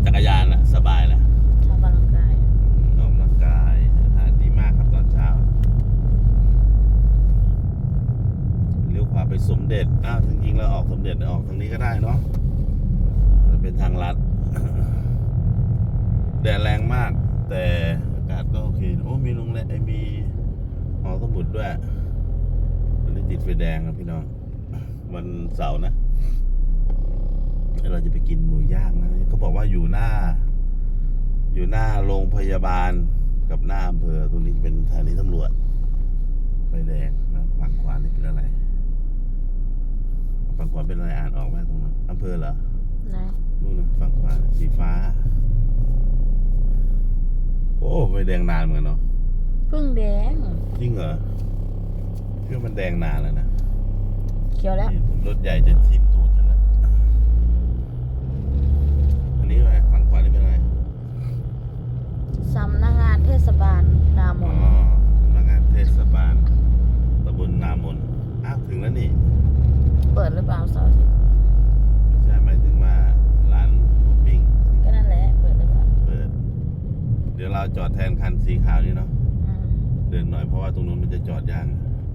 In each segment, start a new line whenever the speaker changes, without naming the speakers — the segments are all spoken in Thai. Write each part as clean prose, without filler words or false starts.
จักรยานสบายแหละ
ออกกำลังกาย
ออกกำลังกายอาหารดีมากครับตอนเช้าเลี้ยวขวาไปสมเด็จจริงๆแล้วออกสมเด็จออกทางนี้ก็ได้เนาะเป็นทางลัดแดดแรงมากแต่อากาศก็โอเคโอ้มีโรงแรมมีหอสมุดด้วยวันนี้ติดไฟแดงครับพี่น้องวันเสาร์นะเราจะไปกินหมูย่างนะเขาบอกว่าอยู่หน้าโรงพยาบาลกับหน้าอำเภอตรงนี้เป็นสถานีตำรวจไฟแดงนะฝั่งขวานี่เป็นอะไรฝั่งขวาเป็นอะไรอ่านออกไหมตรงนั้นอำเภอเหรอ
ไหน
นู่นนะฝั่งขวาสีฟ้าโอ้ไฟแดงนานเหมือนกันเนาะ
เพิ่งแดง
จริงเหรอพี่ว่ามันแดงนานแล้วนะ
เขียวแล้ว
รถใหญ่จะทิ่มตูดฉันแล้วอันนี้อะไรฝั่งขวานี่เป็นอะไร
สำนักงานเทศบาลนามน
สำนักงานเทศบาลตำบลนามนถึงแล้วนี่
เปิดหรือเปล่าเสาร์อาทิตย์
ไม่ใช่หมายถึงว่าร้านหมูปิ้ง
ก็นั่นแหละเปิดหรือเปล่า
เปิดเดี๋ยวเราจอดแทนคันสีขาวนี่เนาะเดินหน่อยเพราะว่าตรงนู้นมันจะจอดยาก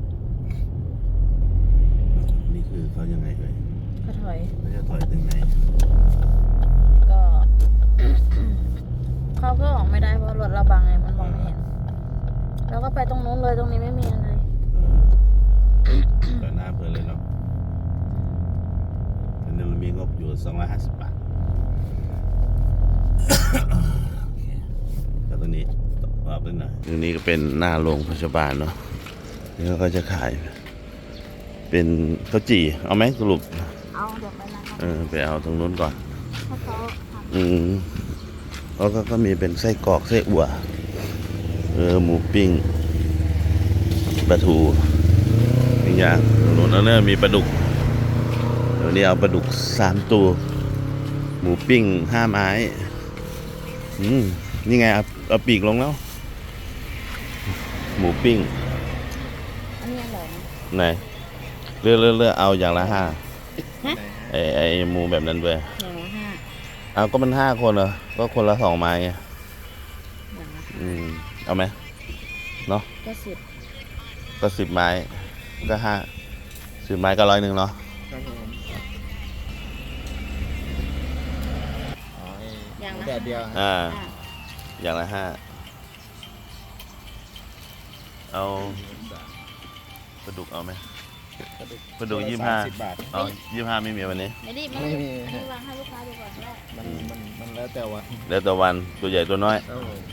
นี่คือเขายังไงเลย
ก็ถอย
เขาจะถอยถึงไหน
ก็ เขาก็ออกไม่ได้เพราะรถเราบังไงมันมองไม่เห็นเราก็ไปตรงนู้นเลยตรงนี้ไม่มีอะไร
ก็หน้าเพื่อเลยเนาะอันนี้เรามีงบอยู่250 บาทก็ตรงนี้ต่อไปหน่อยตรงนี้ก็เป็นหน้าโรงพยาบาลเนาะนี่เขาก็จะขายเป็นข้าวจี่เอาไหมสรุป
เอาเดี๋ยวไปนะครับ
ไปเอาตรงนู้นก่อน
ถ้าเขา
แล้วก็มีเป็นไส้กรอกไส้อั่วหมูปิ้งปลาทูอย่างตรงนู้นแล้วเนี่ยมีปลาดุกเดี๋ยวนี้เอาปลาดุก3 ตัวหมูปิ้ง5 ไม้นี่ไงเอาปีกลงแล้วหมูปิ้ง
อันนี้อร่อย
ไหนเลือกเอาอย่างละ5ไอหมูแบบนั้นด้วย
อย่างละ5
เอาก็มัน5 คนเหรอก็คนละ2 ไม้ไงเอาไหมเนาะก็10 ไม้ก็10 ไม้ก็100เนาะ
อย่างละเดียว
อย่างละ5เอาปลาดุกเอาไหมปลาดุก25 เอา25ไม่มีวันนี้
ไม่มีวางให้ลูกค้าดูก่อนได้
มันแล้วแต่วันตัวใหญ่ตัวน้อย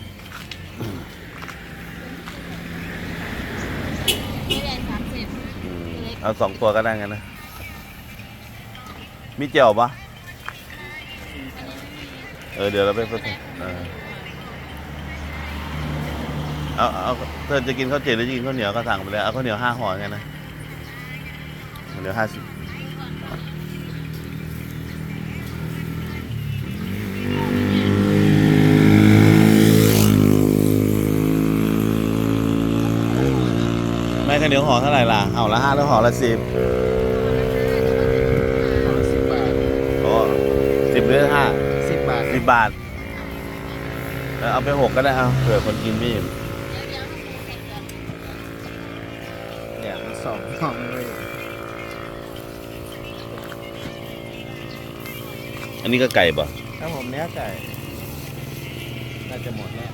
ไม่แรง30
เอา2 ตัวก็ได้กันนะมีเจียวปะเดี๋ยวเราไปเพิ่มเอาเธอจะกินข้าวเจี๋ยวหรือจะกินข้าวเหนียวก็สั่งไปเลยเอาข้าวเหนียว5 ห่อไงนะข้าวเหนียว50ไม่ข้าวเหนียวห่อเท่าไหร่ล่ะเอาละ5แล้วห่อละ10
ห่อละ10 บาท
โอ้10หรือ5
10 บาท
10 บาทเอาไป6ก็ได้เอาเผื่อคนกินไม่อิ่ม
เนี่ยมัน2 ห่อเลย
อันนี้ก็ไก่ป่ะ
ถ้าผมเนื้อไก่น่าจะหมดแล้ว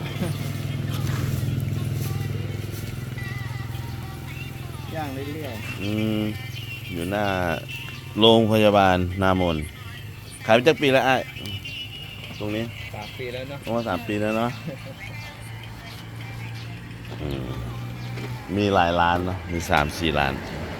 ย่างเรื่อย
ๆอยู่หน้าโรงพยาบาลนามนขายมาจากปีแล้วตรงนี้
3 ปีแล้วเนาะ
3 ปีแล้วเนาะมีหลายร้านเนาะมี3-4 ร้าน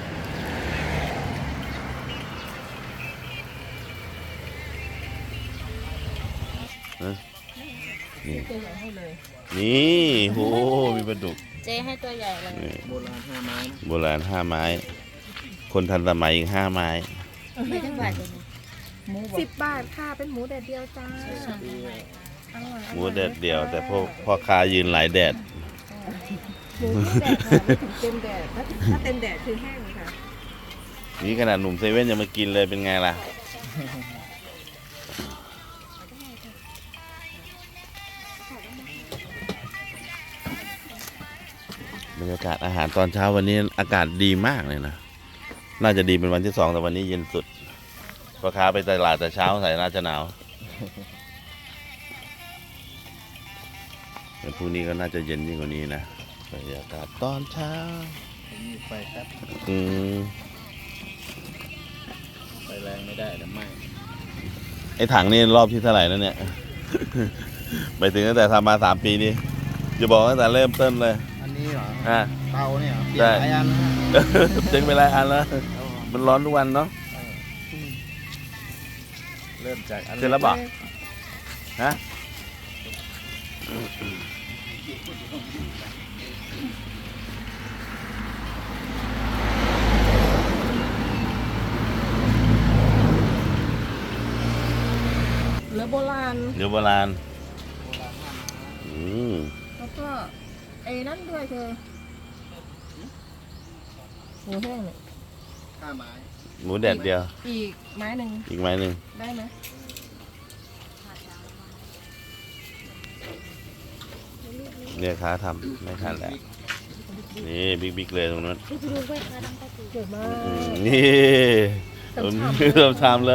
นี่โหมีปลาดุก
เจ๊ให้ตัวใหญ่เลย
โบราณ5 ไม้
โบราณ5 ไม้คนทันสมัยอีก5 ไม้
ไม่ทั้งบาทเลย
10 บาทค่ะเป็นหมูแดดเดียวจ้า
หมูแดดเดียวแต่พ่อค้ายืนหลายแดด
หมูแดดค่ะไม่ถึงเต็มแดดถ้าเต็มแดดคือแห้งค่ะ
นี่ขนาดหนุ่มเซเว่นยังมากินเลยเป็นไงล่ะบรรยากาศอาหารตอนเช้าวันนี้อากาศดีมากเลยนะน่าจะดีเป็นวันที่2แต่วันนี้เย็นสุดพ่อค้าไปตลาดแต่เช้าใส่น่าจะหนาวแต่พรุ่งนี้ก็น่าจะเย็นยิ่งกว่านี้นะบรรยากาศตอนเช้า
มีไฟแป๊บ
อืม
ไฟแรงไม่ได้เดี๋ยวไหม้
ไอ้ถังนี่รอบที่เท่าไหร่แล้วเนี่ย ไปถึงตั้งแต่ทำมา3 ปีนี่จะบอกตั้งแต่เริ่มต้นเลย
อันนี้เหรอ
อ่ะ
เตาเนี่ยเหรอเปลี่ยนหลายอันแล้วนะ
เจ๊งไปหลายอันแล้วมันร้อนทุกวันเนาะ
เริ่มจากอัน
เสร็จแล้วเปล่า ฮะ
เหลือโบราณ
เดี๋ยวโบราณอืม
แล้วก็ไอ้นั่นด้วยเธอหมูแห้งเนี่ย
ข้าไม้
หมูแดดเดียว
อีกไม้หนึ่ง
อีกไม้หนึ่ง
ได้ไหม
เนี่ยค้าทำไม่ทันแล้วนี่บิ๊กเลยตรงนั้น
ดูไปค่ะดังก็คือ
เกิดมา
อืมนี่ผมเริ่มทำเลย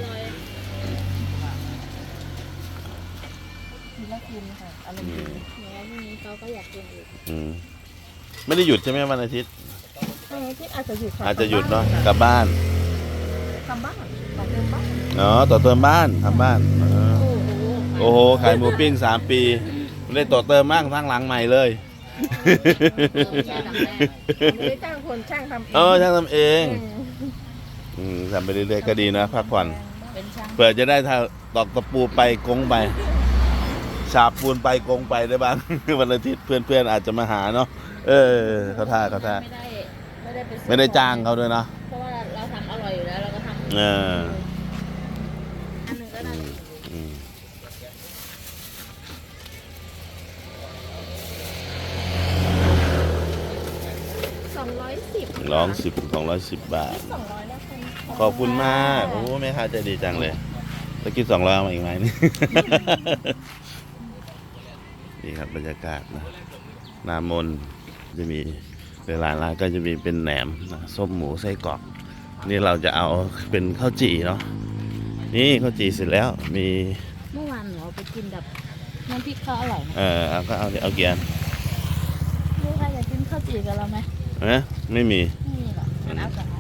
ทีละคืนค่ะอารมณ์ดี
แล้วพรุ่งนี้เขาก็อยากกินอีก
อืมไม่ได้หยุดใช่ไหมวันอาทิตย์
ที่อาจจะหยุดค่ะ
อาจจะหยุดเนาะกลับบ้าน
ทำบ้านต่อเติมบ้าน
อ๋อต่อเติมบ้านทำบ้านอ๋อ
โอ้โห
โอ้โหขายหมูปิ้ง3 ปีไม่ได้ต่อเติมมากทั้งหลังใหม่เลย
แค่ดังแรก
ไม่ได้จ้างคนช่างทำเอง
เออช่างทำเอง
อืม
ทำไปเรื่อยๆก็ดีนะพักผ่อน
เป็นช่าง
เผื่อจะได้ถ้าตอกตะปูไปกงไปฉาบปูนไปกงไปได้บ้าง วันอาทิตย์เพื่อนๆอาจจะมาหาเนาะเออเขาท่า
ไม่ได้ไปซื้อ
ไม่ได้จ้างเขาด้วยเนาะ
เพราะว่าเราทำอร่อยอยู่แล้วเราก็ทำ
เออ
อันหนึงก็ได้
อืม
210
ร้อง210 บาท
200แล้วคน
ขอบคุณมากโอ้แม่ค้าใจดีจังเลยตะกี้200เอามาอีกไหมนี่ นี่ครับบรรยากาศนะนามนจะมีเวลาร้านก็จะมีเป็นแหนมนะส้มหมูไส้กรอกนี่เราจะเอาเป็นข้าวจี่เนาะนี่ข้าวจี่เสร็จแล้วมี
เมื่อวานหนูเอาไปกินแบบน้ำพริกเขาอร่อยนะ
เอาก็เอาเกียร์
ลูกค้าอยากกินข้าวจี่กับเราไหม
นะไม่มี
ไม่มีหรอกงั้นเอากับ